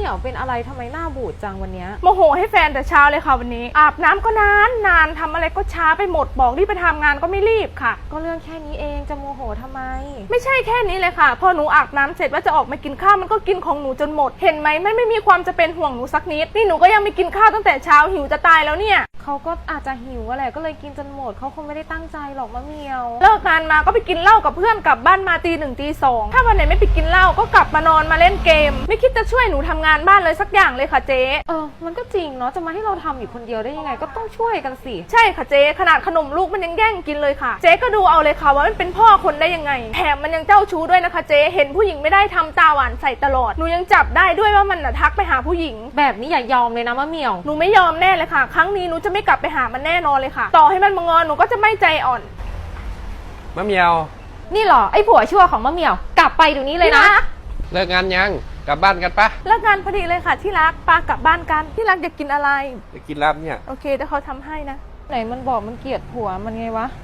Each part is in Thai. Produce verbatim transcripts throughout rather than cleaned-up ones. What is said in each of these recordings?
ยวเป็นอะไรทำไมหน้าบูดจังวันนี้โมโหให้แฟนแต่เช้าเลยค่ะวันนี้อาบน้ำก็นานนานทำอะไรก็ช้าไปหมดบอกรีบไปทำงานก็ไม่รีบค่ะก็เรื่องแค่นี้เองจะโมโหทำไมไม่ใช่แค่นี้เลยค่ะพอหนูอาบน้ำเสร็จว่าจะออกมากินข้าวมันก็กินของหนูจนหมดเห็นไหมไม่ไม่มีความจะเป็นห่วงหนูสักนิดนี่หนูก็ยังไม่กินข้าวตั้งแต่เช้าหิวจะตายแล้วเนี่ยเขาก็อาจจะหิวอะไรก็เลยกินจนหมดเขาคงไม่ได้ตั้งใจหรอกมะเหมียวเลิกงานมาก็ไปกินเหล้ากับเพื่อนกลับบ้านมาตีหนึ่งตีสองถ้าวันไหนไม่ไปกินเหล้าก็กลับมานอนมาเล่นเกมไม่คิดจะช่วยหนูทำงานบ้านเลยสักอย่างเลยค่ะเจ๊เออมันก็จริงเนาะจะมาให้เราทำอยู่คนเดียวได้ยังไงก็ต้องช่วยกันสิใช่ค่ะเจ๊ขนาดขนมลูกมันยังแย่งกินเลยค่ะเจ๊ก็ดูเอาเลยค่ะว่ามันเป็นพ่อคนได้ยังไงแถมมันยังเจ้าชู้ด้วยนะคะเจ๊เห็นผู้หญิงไม่ได้ทำตาหวานใส่ตลอดหนูยังจับได้ด้วยว่ามันน่ะทักไปหาผู้หญิงแบบนี้อย่ายอมเลยนะมะเหมียวหนูไม่ยอมแน่เลยค่ะครั้งนี้หนูจะไม่กลับไปหามันแน่นอนเลยค่ะต่อให้มันมางอนหนูก็จะไม่ใจอ่อนมะเหมียวนี่หรอไอ้ผัวชั่วของมะเหมียวกลับไปเดี๋ยวนี้เลยนะเลิกงานยังกลับบ้านกันปะเลิกงานพอดีเลยค่ะที่รักปากลับบ้านกันที่รักอยากกินอะไรอยากกินลาบเนี่ยโอเคเดี๋ยวเขาทำให้นะไหนมันบอกมันเกลียดผัวมันไงวะ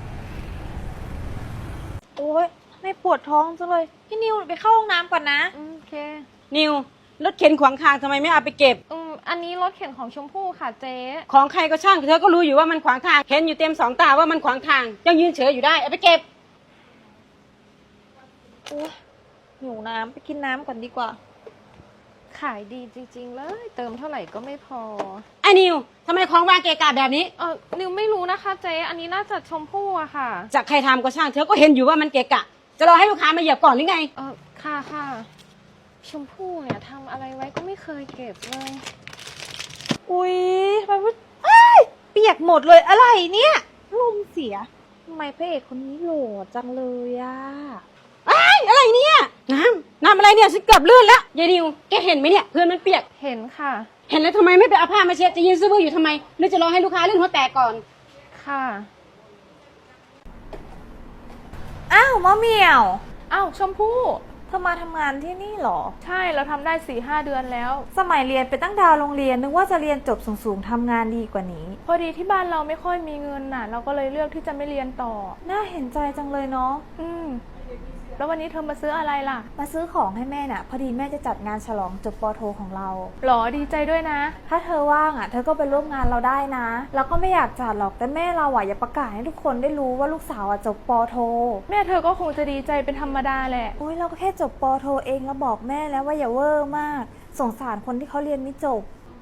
โอ๊ยไม่ปวดท้องจังเลยพี่นิวไปเข้าห้องน้ำก่อนนะโอเคนิวรถเข็นขวางทางทำไมไม่เอาไปเก็บอืมอันนี้รถเข็นของชมพู่ค่ะเจ๊ของใครก็ช่างเธอก็รู้อยู่ว่ามันขวางทางเห็นอยู่เต็มสองตาว่ามันขวางทางยังยืนเฉยอยู่ได้เอาไปเก็บโอ๊ยหิวน้ำไปกินน้ำก่อนดีกว่าขายดีจริงๆเลยเติมเท่าไหร่ก็ไม่พอไอ้นิวทำไมของวางเกะกะแบบนี้เออนิวไม่รู้นะคะเจ๊อันนี้น่าจะชมพู่อะค่ะจากใครทำก็ช่างเธอก็เห็นอยู่ว่ามันเกะกะจะรอให้ลูกค้ามาเหยียบก่อนหรือไงเออค่ะค่ะชมพู่เนี่ยทำอะไรไว้ก็ไม่เคยเก็บเลยอุ๊ยทำไมว่าเปียกหมดเลยอะไรเนี่ยลมเสียทำไมพระเอกคนนี้โหล่จังเลยอะไอ้อะไรเนี่ยน้ำน้ำอะไรเนี่ยฉันเกือบลื่นแล้วยายนิวแกเห็นไหมเนี่ยเพื่อนมันเปียกเห็นค่ะเห็นแล้วทำไมไม่ไปเอาผ้ามาเช็ดจะยืนซื้อบื้ออยู่ทำไมหรือจะรอให้ลูกค้าลื่นหัวแตกก่อนค่ะอ้าวมะเหมี่ยวอ้าวชมพู่เธอมาทำงานที่นี่หรอใช่เราทำได้สี่ห้าเดือนแล้วสมัยเรียนไปตั้งดาวโรงเรียนนึกว่าจะเรียนจบสูงๆทำงานดีกว่านี้พอดีที่บ้านเราไม่ค่อยมีเงินน่ะเราก็เลยเลือกที่จะไม่เรียนต่อน่าเห็นใจจังเลยเนาะอืมแล้ววันนี้เธอมาซื้ออะไรล่ะมาซื้อของให้แม่น่ะพอดีแม่จะจัดงานฉลองจบป.โทของเราหรอดีใจด้วยนะถ้าเธอว่างอ่ะเธอก็ไปร่วมงานเราได้นะเราก็ไม่อยากจัดหรอกแต่แม่เราอ่ะอย่าประกาศให้ทุกคนได้รู้ว่าลูกสาวอ่ะจบป.โทแม่เธอก็คงจะดีใจเป็นธรรมดาแหละโอ้ยเราก็แค่จบป.โทเองแล้วบอกแม่แล้วว่าอย่าเวอร์มากสงสารคนที่เขาเรียนไม่จบ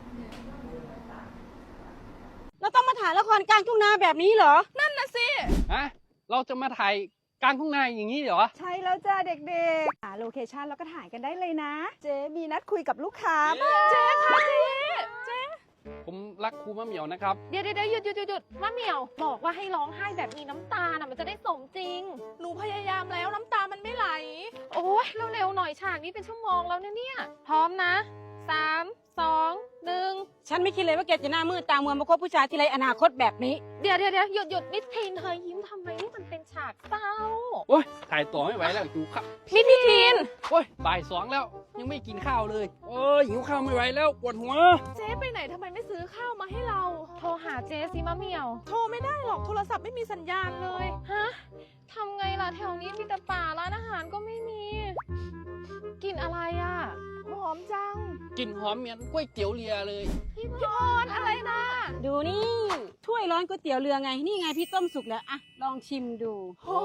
เราต้องมาถ่ายละครกลางทุ่งนาแบบนี้เหรอนั่นน่ะสิฮะเราจะมาถ่ายกลางทุ่งนาอย่างนี้เหรอใช่แล้วจ้าเด็กๆหาโลเคชั่นแล้วก็ถ่ายกันได้เลยนะเจ๊มีนัดคุยกับลูกค้าเจ๊ค่ะเจ๊เจ๊ผมรักครูมะเหมียวนะครับเดี๋ยวเดี๋ยวหยุดหยุดหยุดหยุดมะเหมียวบอกว่าให้ร้องไห้แบบมีน้ำตาน่ะมันจะได้สมจริงหนูพยายามแล้วน้ำตามันไม่ไหลโอ้ยเร็วๆหน่อยฉากนี้เป็นชั่วโมงแล้วเนี่ยพร้อมนะสามสองหนึ่งฉันไม่คิดเลยว่าแกจะหน้ามืดตามัวมาคบผู้ชายที่ไรอนาคตแบบนี้เดี๋ยวเดี๋ยวเดี๋ยวหยุดหยุดมิทีนเธอยิ้มทำไมนี่มันเป็นฉากเศร้าโอ้ยถ่ายต่อไม่ไหวแล้วหิวข้าวมิทีนโอ้ยบ่ายสองแล้วยังไม่กินข้าวเลยโอ้ยหิวข้าวไม่ไหวแล้วปวดหัวเจ๊ไปไหนทำไมไม่ซื้อข้าวมาให้เราโทรหาเจ๊สิมะเหมียวโทรไม่ได้หรอกโทรศัพท์ไม่มีสัญญาณเลยฮะทำไงล่ะแถวนี้มีแต่ป่าร้านอาหารก็ไม่มีกินอะไรอ่ะหอมจังกลิ่นหอมเหมือนก๋วยเตี๋ยวเรือเลยพี่พรอะไรนะดูนี่ถ้วยร้อนก๋วยเตี๋ยวเรือไงนี่ไงพี่ต้มสุกแล้วอะลองชิมดูโอ้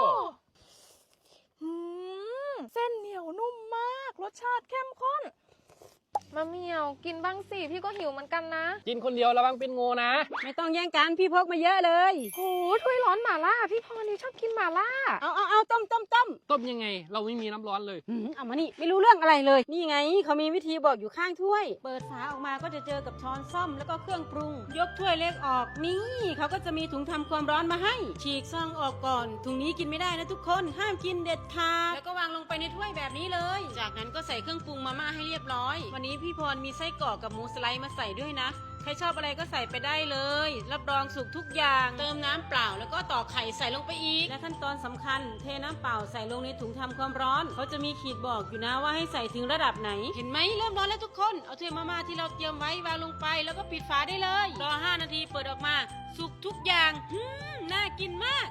เส้นเหนียวนุ่มมากรสชาติเข้มข้นมะเหมียวกินบ้างสิพี่ก็หิวเหมือนกันนะกินคนเดียวระวังเป็นงูนะไม่ต้องแย่งกันพี่พกมาเยอะเลยโหถ้วยร้อนหม่าล่าพี่พรนี่ชอบกินหม่าล่าเอาเอาเอาต้มต้มต้มต้มยังไงเราไม่มีน้ำร้อนเลยเอามานี่ไม่รู้เรื่องอะไรเลยนี่ไงเขามีวิธีบอกอยู่ข้างถ้วยเปิดฝาออกมาก็จะเจอกับช้อนส้อมแล้วก็เครื่องปรุงยกถ้วยเล็กออกนี่เขาก็จะมีถุงทำความร้อนมาให้ฉีกซองออกก่อนถุงนี้กินไม่ได้นะทุกคนห้ามกินเด็ดขาดแล้วก็วางลงไปในถ้วยแบบนี้เลยจากนั้นก็ใส่เครื่องปรุงมาม่าให้เรียบร้อยวันนี้พี่พรมีไส้กรอกกับหมูสไลด์มาใส่ด้วยนะใครชอบอะไรก็ใส่ไปได้เลยรับรองสุกทุกอย่างเติมน้ำเปล่าแล้วก็ตอกไข่ใส่ลงไปอีกและขั้นตอนสำคัญเทน้ำเปล่าใส่ลงในถุงทำความร้อนเขาจะมีขีดบอกอยู่นะว่าให้ใส่ถึงระดับไหนเห็นไหมเริ่มร้อนแล้วทุกคนเอาถ้วยมาม่าที่เราเตรียมไว้วางลงไปแล้วก็ปิดฝาได้เลยรอห้านาทีเปิดออกมาสุกทุกอย่างอืมน่ากินมาก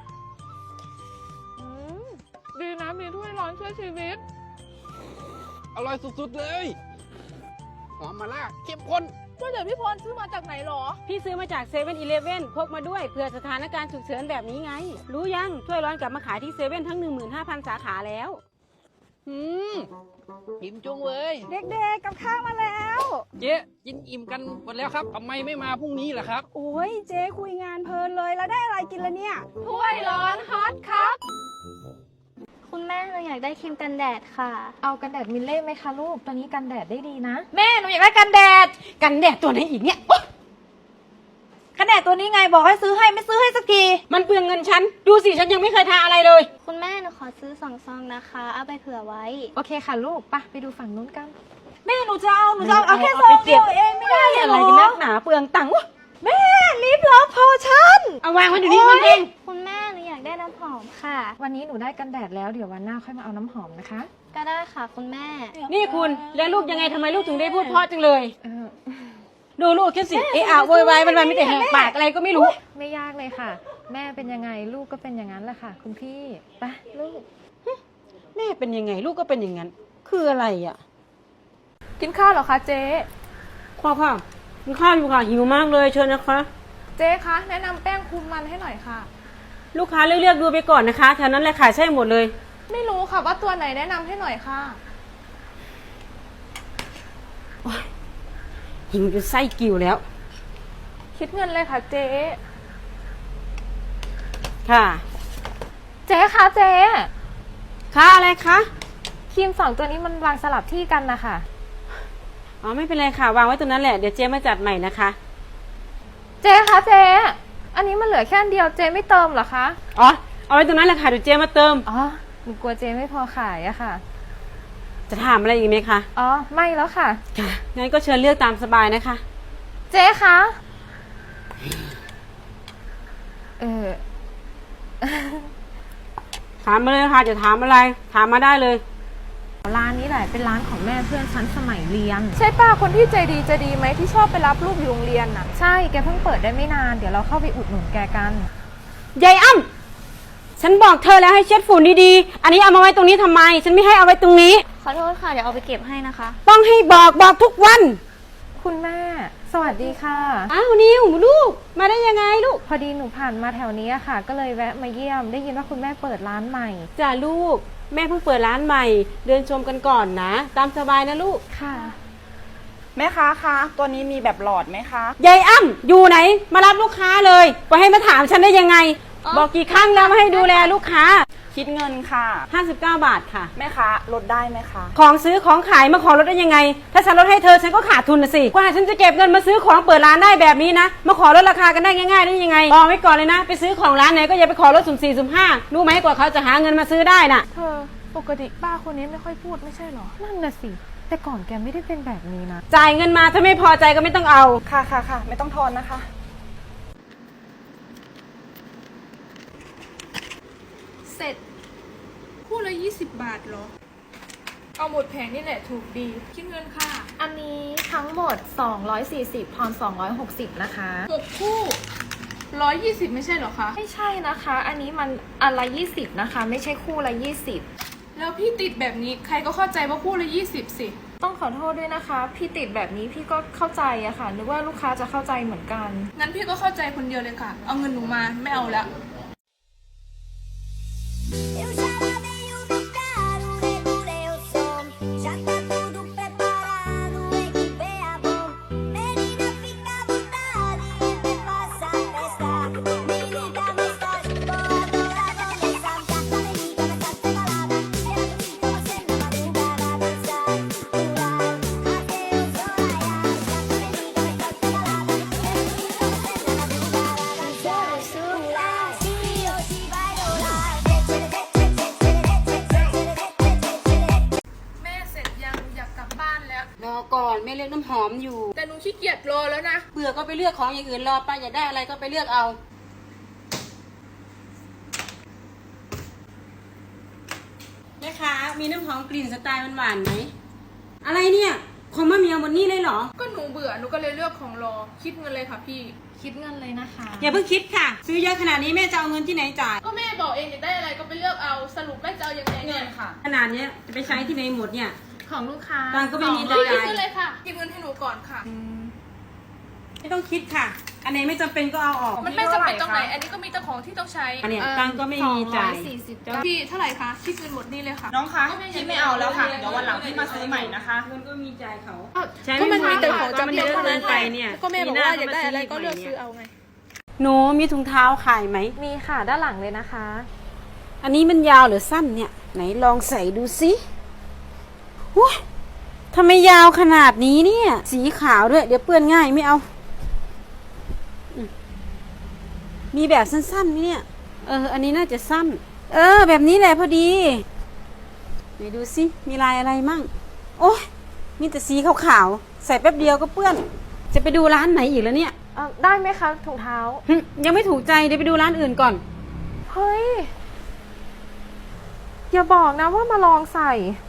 ดีนะมีถ้วยร้อนช่วยชีวิตอร่อยสุดๆเลยหอมมาล่าเข้มข้นก็เดี๋ยวพี่พรซื้อมาจากไหนหรอพี่ซื้อมาจากเซเว่นอีเลฟเว่นพกมาด้วยเผื่อสถานการณ์ฉุกเฉินแบบนี้ไง รู้ยังถ้วยร้อนกลับมาขายที่เซเว่นทั้ง หนึ่งหมื่นห้าพัน สาขาแล้วอืมอิ่มจุงเลยเด็กๆกับข้าวมาแล้วเจ๊กินอิ่มกันหมดแล้วครับทำไมไม่มาพรุ่งนี้ล่ะครับโอ้ยเจ๊คุยงานเพลินเลยแล้วได้อะไรกินละเนี่ยถ้วยร้อนฮอตครับคุณแม่เราอยากได้ครีมกันแดดค่ะเอากันแดดมิลเล่ไหมคะลูก ตัวนี้กันแดดได้ดีนะแม่หนูอยากได้กันแดดกันแดดตัวไหนอีกเนี่ยกันแดดตัวนี้ไงบอกให้ซื้อให้ไม่ซื้อให้สักทีมันเปลืองเงินฉัน ดูสิฉันยังไม่เคยทาอะไรเลยคุณแม่หนูขอซื้อสองซองนะคะ เอาไปเผื่อไว้โอเคค่ะลูกไปะไปดูฝั่งนู้นกันแม่หนูจะเอาหนูจะเอาเอาแค่ซองเดียวเองไม่ได้เหรอะไรกันนักหนาเปลืองตังค์วะแม่ลิปลอฟโพชั่นเอาวางไว้เดี๋ยวนี้มันเองคุณแม่หนูอยากได้น้ำหอมค่ะวันนี้หนูได้กันแดดแล้วเดี๋ยววันหน้าค่อยมาเอาน้ำหอมนะคะก็ได้ค่ะคุณแม่นี่คุณแล้วลูกยังไงทำไมลูกถึงได้พูดเพราะจังเลยเออดูลูกแค่สิเอะอะโวยวายมันมันไม่แต่แหกปากอะไรก็ไม่รู้ไม่ยากเลยค่ะ แม่เป็นยังไงลูกก็เป็นอย่างนั้นแหละค่ะ คุณพี่ไปะลูกแม่เป็นยังไงลูกก็เป็นอย่างนั้น คืออะไรอ่ะกินข้าวเหรอคะเจ๊พ่อค่ะกินข้าวอยู่ค่ะหิวมากเลยเชิญนะคะเจ๊คะแนะนำแป้งคุมมันให้หน่อยค่ะลูกค้าเลือกๆดูไปก่อนนะคะแถวนั้นแหละขายใช่หมดเลยไม่รู้ค่ะว่าตัวไหนแนะนำให้หน่อยค่ะหิวจนไส้กิ่วแล้วคิดเงินเลยค่ะเจ๊ค่ะเจ๊คะเจ๊ค่าอะไรคะครีมสองตัวนี้มันวางสลับที่กันนะคะอ๋อไม่เป็นไรค่ะวางไว้ตรงนั้นแหละเดี๋ยวเจ๊มาจัดใหม่นะคะเจ๊คะเจ๊อันนี้มันเหลือแค่อันเดียวเจ๊ไม่เติมเหรอคะอ๋อเอาไว้ตรงนั้นแหละค่ะเดี๋ยวเจ๊มาเติมอ๋อหนูกลัวเจ๊ไม่พอขายอะค่ะจะถามอะไรอีกไหมคะอ๋อไม่แล้วค่ะค่ะงั้นก็เชิญเลือกตามสบายนะคะเจ๊คะเออถามมาเลยค่ะจะถามอะไรถามมาได้เลยร้านนี้แหละเป็นร้านของแม่เพื่อนฉันสมัยเรียนใช่ป้าคนที่ใจดีใจดีไหมที่ชอบไปรับลูกอยู่โรงเรียนน่ะใช่แกเพิ่งเปิดได้ไม่นานเดี๋ยวเราเข้าไปอุดหนุนแกกันยายอ้ำฉันบอกเธอแล้วให้เช็ดฝุ่นดีๆ อันนี้เอามาไว้ตรงนี้ทำไม ฉันไม่ให้เอาไว้ตรงนี้ขอโทษค่ะ เดี๋ยวเอาไปเก็บให้นะคะต้องให้บอกบอกทุกวันคุณแม่ สวัสดีค่ะอ้าวนิวลูก มาได้ยังไงลูกพอดีหนูผ่านมาแถวนี้อะค่ะ ก็เลยแวะมาเยี่ยม ได้ยินว่าคุณแม่เปิดร้านใหม่จ้าลูก แม่เพิ่งเปิดร้านใหม่ เดินชมกันก่อนนะ ตามสบายนะลูกค่ะแม่ค้าคะตัวนี้มีแบบหลอดไหมคะยายอ้ำอยู่ไหน มารับลูกค้าเลยไปให้มาถามฉันได้ยังไง บอกกี่ครั้งแล้วมาให้ดูแลลูกค้าคิดเงินค่ะห้าสิบเก้าบาทค่ะแม่ค้าลดได้ไหมคะของซื้อของขายมาขอลดได้ยังไง ถ้าฉันลดให้เธอฉันก็ขาดทุนนะสิ กว่าฉันจะเก็บเงินมาซื้อของเปิดร้านได้แบบนี้นะ มาขอลดราคากันได้ง่ายๆได้ยังไงบอกไว้ก่อนเลยนะ ไปซื้อของร้านไหนก็อย่าไปขอลดสุ่มสี่สุ่มห้ารู้ไหมกว่าเขาจะหาเงินมาซื้อได้น่ะเธอปกติป้าคนนี้ไม่ค่อยพูดไม่ใช่เหรอนั่นน่ะสิ แต่ก่อนแกไม่ได้เป็นแบบนี้นะจ่ายเงินมาถ้าไม่พอใจก็ไม่ต้องเอาค่ะค่ะค่ะไม่ต้องทอนนะคะเสร็จคู่ละยี่สิบบาทเหรอ เอาหมดแผงนี่แหละถูกดี คิดเงินค่ะอันนี้ทั้งหมดสองร้อยสี่สิบทอนสองร้อยหกสิบนะคะหกคู่ร้อยยี่สิบไม่ใช่เหรอคะไม่ใช่นะคะ อันนี้มันอันละยี่สิบนะคะ ไม่ใช่คู่ละยี่สิบแล้วพี่ติดแบบนี้ใครก็เข้าใจว่าคู่ละยี่สิบสิต้องขอโทษด้วยนะคะ พี่ติดแบบนี้พี่ก็เข้าใจอะค่ะ นึกว่าลูกค้าจะเข้าใจเหมือนกันงั้นพี่ก็เข้าใจคนเดียวเลยค่ะ เอาเงินหนูมาไม่เอาแล้ว Eu já lavei o meu carro, regulei o som. Já tá tudo preparado, equipei a bom. Menina, fica à vontade, me faça festa. Me liga mais tarde, vou adorar começar. Já me liga mais tarde, sem balada. Quero ir com você na madrugada, dançar, pular, até o sol raiar. Já me liga mais tarde, sem balada. Quero ir com você na madrugada, dançar, pular, se hoje vai rolar. แม่เสร็จยังอยากกลับบ้านแล้วรอก่อนแม่เลือกน้ำหอมอยู่แต่หนูขี้เกียจรอแล้วนะเบื่อก็ไปเลือกของอย่างอื่นรอไปอยากได้อะไรก็ไปเลือกเอา แม่ค้ามีน้ำหอมกลิ่นสไตล์หวานๆไหม อะไรเนี่ยของมะเหมียวหมดนี่เลยเหรอก็หนูเบื่อหนูก็เลยเลือกของรอ คิดเงินเลยค่ะพี่คิดเงินเลยนะคะอย่าเพิ่งคิดค่ะ ซื้อเยอะขนาดนี้แม่จะเอาเงินที่ไหนจ่ายก็แม่บอกเองอยากได้อะไรก็ไปเลือกเอา สรุปแม่จะเอายังไงเงินค่ะขนาดเนี้ยจะไปใช้ที่ไหนหมดเนี่ยของลูกค้าตังค์ก็ไม่มีพี่จ่ายคิดเงินเลยค่ะคิดเงินให้หนูก่อนค่ะไม่ต้องคิดค่ะ อันไหนไม่จำเป็นก็เอาออกมันไม่จำเป็นตรงไหน อันนี้ก็มีแต่ของที่ต้องใช้อันเนี้ยตังค์ก็ไม่มีจ่ายพี่เท่าไหร่คะที่คืนหมดนี่เลยค่ะน้องคะพี่ไม่เอาแล้วค่ะ เดี๋ยววันหลังพี่มาซื้อใหม่นะคะเงินก็มีจ่ายเขาก็มันมีแต่ของจำเป็นเท่านั้นไปเนี่ยก็แม่บอกว่าอยากได้อะไรก็เลือกซื้อเอาไงหนูมีถุงเท้าขายไหมมีค่ะด้านหลังเลยนะคะอันนี้มันยาวหรือสั้นเนี่ย ไหนลองใส่ดูสิว้าทำไมยาวขนาดนี้เนี่ย สีขาวด้วย เดี๋ยวเปื้อนง่ายไม่เอาอืมมีแบบสั้นๆไหมเนี่ย เออ อันนี้น่าจะสั้น เออ แบบนี้แหละพอดีไหนดูสิมีลายอะไรมั่ง โอ้ยมีแต่สีขาวๆใส่แป๊บเดียวก็เปื้อน จะไปดูร้านไหนอีกแล้วเนี่ยเอ่อได้ไหมคะถุงเท้าหึยังไม่ถูกใจเดี๋ยวไปดูร้านอื่นก่อนเฮ้ย อย่าบอกนะว่ามาลองใส่